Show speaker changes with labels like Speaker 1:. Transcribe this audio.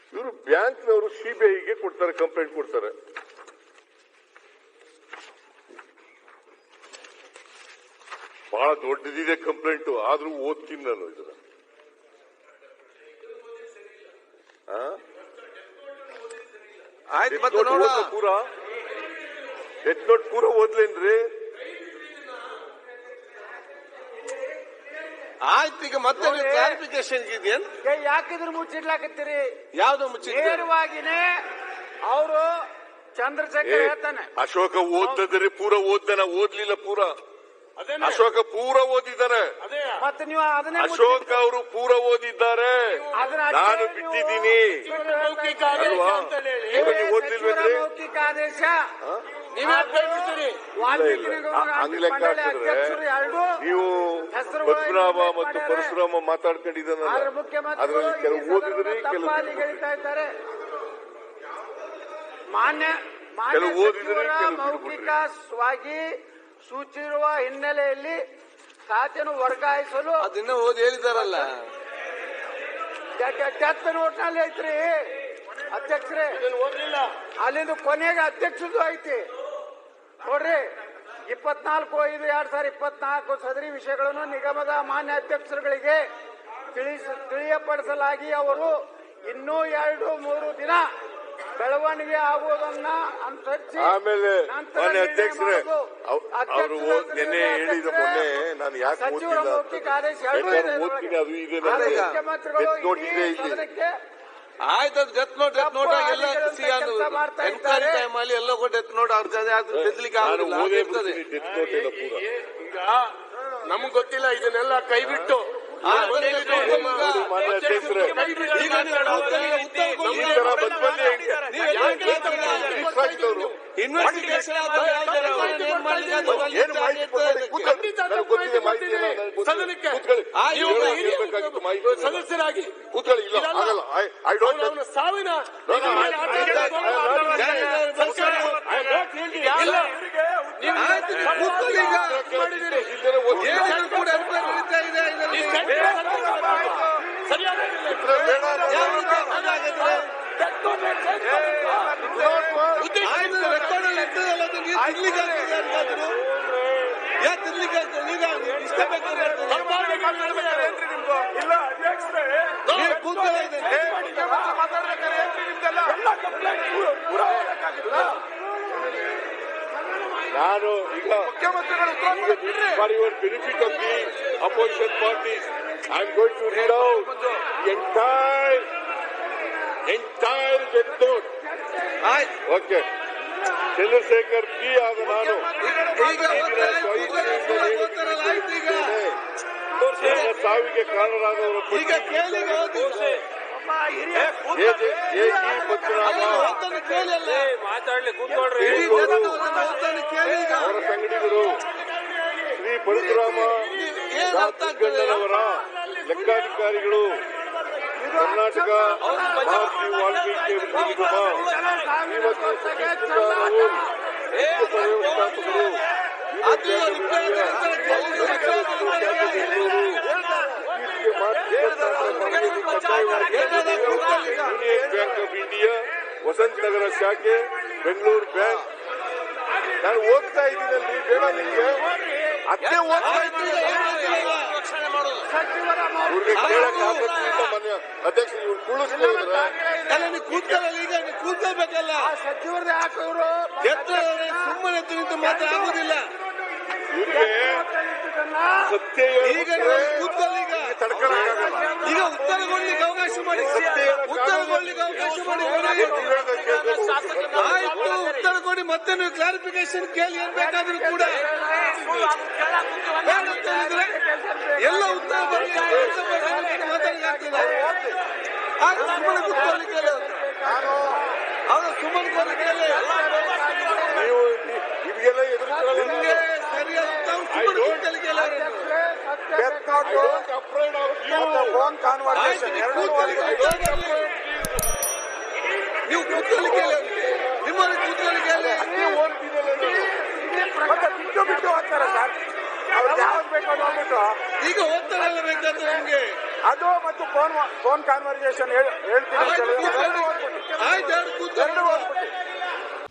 Speaker 1: ಇವರು ಬ್ಯಾಂಕ್ನವರು ಸಿಬಿಐಗೆ ಕೊಡ್ತಾರೆ, ಕಂಪ್ಲೇಂಟ್ ಕೊಡ್ತಾರೆ. ಬಹಳ ದೊಡ್ಡದಿದೆ ಕಂಪ್ಲೇಂಟ್, ಆದ್ರೂ ಓದ್ತೀನಿ ನಾನು ಇದನ್ನ. ಪೂರ ಡೆತ್ ನೋಟ್ ಪೂರ ಓದ್ಲೇನ್ರಿ?
Speaker 2: ಆಯ್ತು, ಈಗ ಮತ್ತೆ ಕ್ಲಾರಿಫಿಕೇಶನ್ ಇದೆಯಾ?
Speaker 3: ಯಾಕಿದ್ರು ಮುಚ್ಚಿಡ್ಲಾಕತ್ತೀರಿ?
Speaker 2: ಯಾವ್ದು ಮುಚ್ಚಿಡ್?
Speaker 3: ನೇರವಾಗಿನೇ ಅವರು ಚಂದ್ರಶೇಖರ್ ಹೇಳ್ತಾನೆ,
Speaker 1: ಅಶೋಕ ಓದಿದ್ರೆ ಪೂರ ಓದ್ದಾನ, ಓದ್ಲಿಲ್ಲ ಪೂರ. ಅಶೋಕ ಪೂರ ಓದಿದ್ದಾರೆ.
Speaker 3: ಮತ್ತೆ ನೀವು ಅದನ್ನೇ
Speaker 1: ಅಶೋಕ್ ಅವರು ಪೂರ ಓದಿದ್ದಾರೆ, ನಾನು ಬಿಟ್ಟಿದ್ದೀನಿ.
Speaker 3: ಮೌಖಿಕ ಆದೇಶ
Speaker 1: ಲೆಕ್ಕ ಹಾಕಿದ್ರೆ ನೀವು ಪದ್ಮನಾಭ ಮತ್ತು ಪರಶುರಾಮ ಮಾತಾಡ್ಕೊಂಡಿದ್ದಾನಲ್ಲ, ಅದರಲ್ಲಿ ಕೆಲವು ಓದಿದ್ರೆ ಕೆಲವು
Speaker 3: ಮಾನ್ಯ ಮೌಖಿಕವಾಗಿ ಸೂಚಿರುವ ಹಿನ್ನೆಲೆಯಲ್ಲಿ ಖಾತೆಯನ್ನು ವರ್ಗಾಯಿಸಲು
Speaker 2: ಅದನ್ನ ಓದಿ ಹೇಳಿದಾರಲ್ಲ.
Speaker 3: ಡೆತ್ ನೋಟ್ನಲ್ಲಿ ಐತ್ರಿ ಅಧ್ಯಕ್ಷರೇ, ಅಲ್ಲಿಂದ ಕೊನೆಗೆ ಅಧ್ಯಕ್ಷದ್ದು ಐತಿ ನೋಡ್ರಿ. 24/5/2024 ಸದರಿ ವಿಷಯಗಳನ್ನು ನಿಗಮದ ಮಾನ್ಯ ಅಧ್ಯಕ್ಷರುಗಳಿಗೆ ತಿಳಿಯಪಡಿಸಲಾಗಿ ಅವರು ಇನ್ನೂ 2-3 ದಿನ ಬೆಳವಣಿಗೆ ಆಗುವುದನ್ನ ಅನುಸರಿಸಿ
Speaker 1: ಆಮೇಲೆ ಮಾನ್ಯ ಅಧ್ಯಕ್ಷರೇ ಅವರು ನಿನ್ನೆ ಹೇಳಿದ ಮೊನ್ನೆ ನಾನು ಯಾಕೆ
Speaker 3: ಸಚಿವರ ಮೌಖಿಕ ಆದೇಶ
Speaker 1: ಓದ್ತೀನಿ, ಅದು ಇದೆ ಇಲ್ಲಿ.
Speaker 2: ಆಯ್ತು, ಡೆತ್ ನೋಟ್ ಎಲ್ಲ ಎನ್ಕ್ವೈರಿ ಟೈಮ್ ಅಲ್ಲಿ ಎಲ್ಲ ಡೆತ್ ನೋಟ್ ಅವ್ರ ತೆಗಿಲಿಕ್ಕೆ
Speaker 1: ಇರ್ತದೆ.
Speaker 4: ಈಗ ನಮ್ಗೆ ಗೊತ್ತಿಲ್ಲ, ಇದನ್ನೆಲ್ಲ ಕೈ ಬಿಟ್ಟು ಸದಸ್ಯರಾಗಿ ಸಾವಿನ
Speaker 1: ನಾನು ಈಗ for your benefit of the opposition parties, I am going to read out the entire death note. Okay. Chandrashekar P ಆದ ನಾನು ಸಾವಿಗೆ ಕಾರಣರಾದವರು ಅವರ ಸಂಗಡಿಗರು ಶ್ರೀ ಪರಶುರಾಮ ಅವರ ಲೆಕ್ಕಾಧಿಕಾರಿಗಳು, ಕರ್ನಾಟಕ ಮಹರ್ಷಿ ವಾಲ್ಮೀಕಿ ನಿಗಮ, ಶ್ರೀಮತಿ ಸತೀಶ್ ಕುಮಾರ್ ಮುಖ್ಯ ವ್ಯವಸ್ಥಾಪಕರು, Union Bank of India Vasantha Nagar ಶಾಖೆ, ಬೆಂಗಳೂರು ಬ್ಯಾಂಕ್. ನಾನು ಓದ್ತಾ ಇದ್ದೀನಲ್ಲಿ, ಬೇಡ ನಿಮಗೆ ಅದೇ ಓದ್ತಾ ಇದ್ದೀನಿ. ಇವ್ರಿಗೆ ಕೇಳಕ್ ಆಸಕ್ತಿ ಇಲ್ಲ ಮನೆ ಅಧ್ಯಕ್ಷ, ಇವ್ರು ಕುಳಿಸ್ತಾ
Speaker 2: ಕೂತ್ಕೊಳ್ಳಲ್ಲ. ಈಗ ಕೂತ್ಕೊಳ್ಬೇಕಲ್ಲ,
Speaker 3: ಸಚಿವರೇ ಹಾಕೋರು
Speaker 2: ಸುಮ್ಮನೆ ನಿಂತು ಮಾತ್ರ ಆಗುದಿಲ್ಲ.
Speaker 1: ಸತ್ಯ
Speaker 2: ಈಗ ಕೂತ್ಕೊಳ್ಳಿ, ಈಗ ಉತ್ತರ ಕೊಡ್ಲಿಕ್ಕೆ ಅವಕಾಶ ಮಾಡಿ, ಉತ್ತರ ಕೊಡ್ಲಿಕ್ಕೆ ಅವಕಾಶ ಮಾಡಿ. ಆಯ್ತು, ಉತ್ತರ ಕೊಡಿ, ಮತ್ತೆ ನೀವು ಕ್ಲಾರಿಫಿಕೇಶನ್ ಕೇಳಿ, ಏನ್ ಬೇಕಾದ್ರೂ ಕೂಡ ಎಲ್ಲ ಉತ್ತರ ಮಾತಾಡಲಿಕ್ಕೆ ಸುಮ್ಮನೆ ಕೂತ್ಕೊಳ್ಳಿಕ್ಕೆ ಅವರು ಸುಮ್ಮನೆ ಕೋರಿಕೆಯಲ್ಲಿ
Speaker 1: ನೀವು ಇವೆಲ್ಲ
Speaker 2: ನಿಮಗೆ ಸರಿಯಾದ ಸುಮ್ಮನೆ ಕೂತ್ಕೊಳ್ಳಿಕ್ಕೆ ನೀವು ಕೂತ್ಕೊಳ್ಳಿಕ್ಕೆ ನಿಮ್ಮಲ್ಲಿ ಕೂತ್ಕೊಳ್ಳಿಕ್ಕೆ
Speaker 3: ಬಿಟ್ಟು ಹೋಗ್ತಾರೆ ಸರ್. ಅವ್ರು ಯಾವ್ದು ಬೇಕೋ ನೋಡ್ಬಿಟ್ಟು
Speaker 2: ಈಗ ಓದ್ತಾರಲ್ಲ ಬೇಕಾದ್ರೆ ನಿಮ್ಗೆ
Speaker 3: ಅದು ಮತ್ತು ಫೋನ್ ಕಾನ್ವರ್ಸೇಷನ್ ಹೇಳ್ತೀನಿ ಅಂತ ಹೇಳಿದ್ರೆ